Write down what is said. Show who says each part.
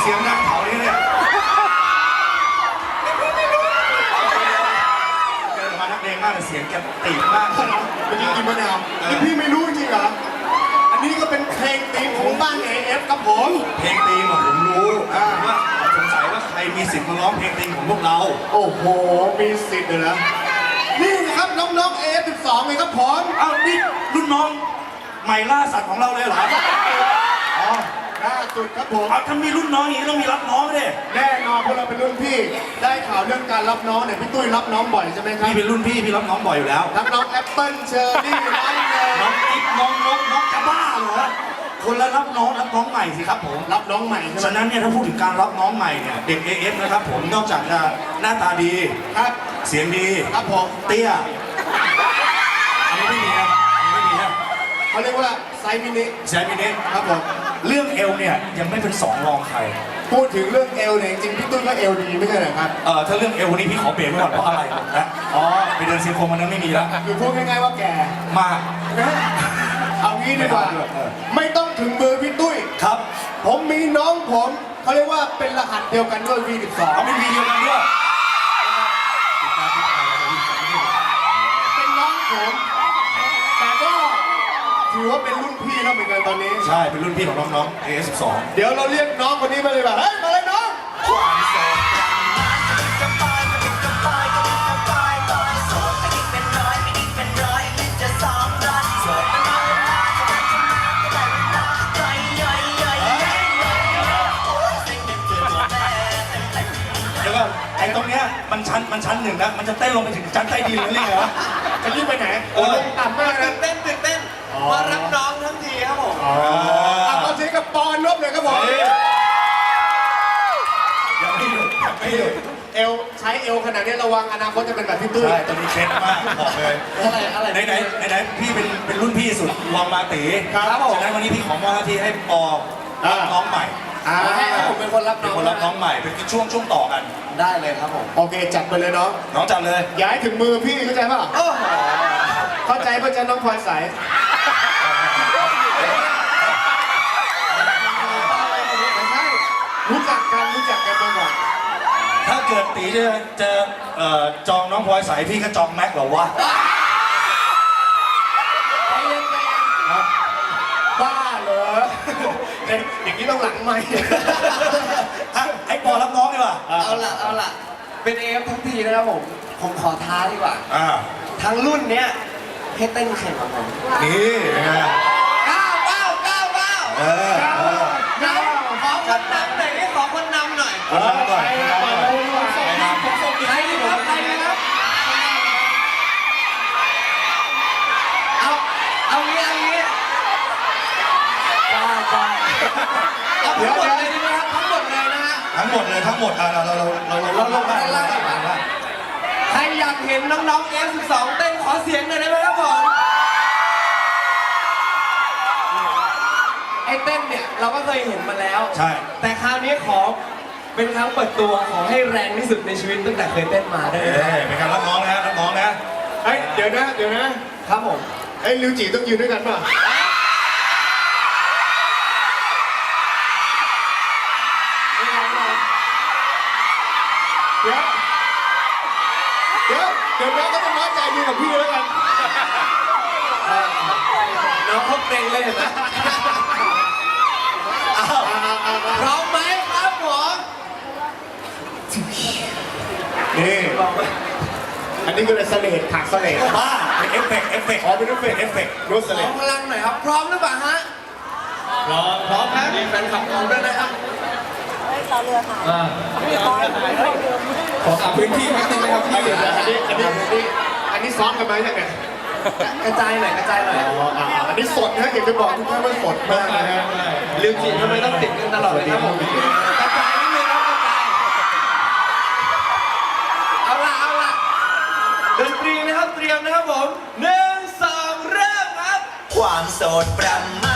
Speaker 1: สียงดังเผาเนี่ยเกิดมานักเลงมากเสียงแกตีมากเลยนะ
Speaker 2: เมื่อกี้กินมะนาวนี่พี่ไม่รู้จริงเหรออันนี้ก็เป็นเพลงธีมของบ้าน AF ครับผม
Speaker 1: เพลงตีมผมรู้ว่าสงสัยว่าใครมีสิทธิ์มาร้องเพลงตีมของพวกเรา
Speaker 2: โอ้โหมีสิทธิ์เลยนะนี่นะครับน้องๆ AF12 เลยครับผม
Speaker 1: เอ้านี่รุ่นน้องใหม่ล่าสัตว์ของเราเลยเหรอ
Speaker 2: อ๋อล่าสุดครับผม
Speaker 1: เอาถ้ามีรุ่นน้องอย่างนี้ต้องมีรับน้องเลย
Speaker 2: แน่นอนพวกเราเป็นรุ่นพี่ได้ข่าวเรื่องการรับน้องเนี่ยพี่ตุ้ยรับน้องบ่อยใช่ไหมครับ
Speaker 1: พี่เป็นรุ่นพี่รับน้องบ่อยอยู่แล้ว
Speaker 2: รับน้องแอปเปิ้ลเชอร์รี่น้องเนย
Speaker 1: น้องติ๊กน้องจะบ้าเหรอคนละรับน้องใหม่สิครับผม
Speaker 2: รับน้องใหม่ใช่ไหม
Speaker 1: ฉะนั้นเนี่ยถ้าพูดถึงการรับน้องใหม่เนี่ยเด็ก AF นะครับผมนอกจากจะหน้าตาดี
Speaker 2: ครับ
Speaker 1: เสียงดี
Speaker 2: ครับผม
Speaker 1: เตี้ยอันนี้ไม่มีนะ
Speaker 2: เขาเรียกว่าไซส์มินิ
Speaker 1: ครับผมเรื่องเอลเนี่ยยังไม่เป็นสองรองใคร
Speaker 2: พูดถึงเรื่องเอลเนี่ยจริงพี่ตุ้ยก็เอลดีไม่ใช่เหรอครับ
Speaker 1: ถ้าเรื่องเอลวันนี้พี่ขอเบรกไว้ก่อนเพราะอะไรนะไปเดินซีโคมันนั้นไม่มีแล้ว
Speaker 2: คือพูดง่ายๆว่าแก่
Speaker 1: มาก
Speaker 2: เอางี้ดีกว่าไม่ต้องถึงมือพี่ตุ้ย
Speaker 1: ครับ
Speaker 2: ผมมีน้องผมเขาเรียกว่าเป็นรหัสเดียวกันด้วย V12
Speaker 1: เป็น V เดียวกันด้วย
Speaker 2: เป็นน้องผมแต่ก็ถือว่าเป็นรุ่นพี่แล้วเหมือนกันตอนนี้
Speaker 1: ใช่เป็นรุ่นพี่ของน้องๆ AF12
Speaker 2: เดี๋ยวเราเรียกน้องคนนี้มาเลยแบบเฮ้ยมาเลยน้อง
Speaker 1: ไอ้ตรงเนี้ยมันชั้นหนึ่งนะมันจะเต้นลงไปถึงชั้นใต้ดินเลยเหรอ
Speaker 2: จะรีบไปไหนลงต่ำมากนะ
Speaker 3: ตื่นเต้นมารับน้องทั้งทีครับผม
Speaker 2: ขอเสียงกับปอนลบเลยครับผม
Speaker 1: ยังไม่หยุด
Speaker 2: เอลใช้เอลขนาดนี้ระวังอนาคตจะเป็นแบบพี่ตุ้ย
Speaker 1: ใช่ตอนนี้เคล็ดมากบอกเลย
Speaker 3: อะไร
Speaker 1: ไหนพี่เป็นรุ่นพี่สุดลองมาตี
Speaker 2: ครับผม
Speaker 1: ฉะนั้นวันนี้พี่ขอมอบหน้าที่ให้ปอน้องใหม่
Speaker 3: ให้ผมเป็นคนรับ
Speaker 1: น้องใหม่เป็นช่วงต่อกัน
Speaker 3: ได้เลยครับผม
Speaker 2: โอเคจัดไปเลยน้อง
Speaker 1: จัดเลย
Speaker 2: ย้ายถึงมือพี่เข้าใจป่ะเข้าใจป่ะจ๊ะน้องพลอยใสรู้จักกันมาก่อน
Speaker 1: ถ้าเกิดตีจะจองน้องพลอยใสพี่ก็จองแม็กหรอวะ
Speaker 2: บ้าเหรออย่างนี้ต้องหลังไหม
Speaker 1: ให้ปอรับน้องดีกว่า
Speaker 3: เอาล่ะเป็นเอฟทั้งทีนะครับผมขอท้าดีกว่าทั้งรุ่นเนี้ยให้เต้นแข่งกับผม
Speaker 1: นี่
Speaker 3: ก้าวขอคนนำหน่อยขอคนนำหน่อยใครครับเอางี้เอาทั้งหมดเลยดีไหมครับทั้งหมดเลยนะฮะ
Speaker 1: ทั้งหมดเราลงได้
Speaker 3: ใครอยากเห็นน้องๆ F12 เต้นขอเสียงหน่อยได้ไหมครับผมไอ้เต้นเนี่ยเราก็เคยเห็นมาแล้ว
Speaker 1: ใช่
Speaker 3: แต่คราวนี้ขอเป็นครั้งเปิดตัวขอให้แรงที่สุดในชีวิตตั้งแต่เคยเต้นมาได้ไหม
Speaker 1: เป็นการรับน้องนะ
Speaker 2: เดี๋ยวนะครับผมลิวจีต้องยืนด้วยกันป่ะเดี๋ยวน้องก็จะน้อยใจดูกับพี่แล้วกัน
Speaker 3: น้องเขาเกรงเลยเห็นไหมพร้อมไหมครับหมอ
Speaker 2: นี่อันนี้คือเสลดถักเสลด
Speaker 1: บ้าเป็นเอฟเฟกต์
Speaker 2: เป็นเอฟเฟกต์รูปเสลด
Speaker 3: พลังหน่อยครับพร้อมหรือเปล่าฮะ
Speaker 2: พร้อมครับ
Speaker 3: มีแฟนคลับของด้วยนะครับ
Speaker 4: ต่อเรือค่ะ
Speaker 2: ขอพื้นที่นิดนึงนะครับพี่อันนี้ซ้อมกันไหมเนี่ย
Speaker 3: กระจายหน่อย
Speaker 2: อันนี้สดนะเห็นจะบอกทุกท่านว่าสดมากนะฮะ
Speaker 3: ลิวจีทำไมต้องติดกันตลอดเลยครับผมกระจายนิดนึงครับกระจายเอาล่ะดนตรีนะครับเตรียมนะครับผม1 2เริ่มครับ
Speaker 5: ความโสดประมา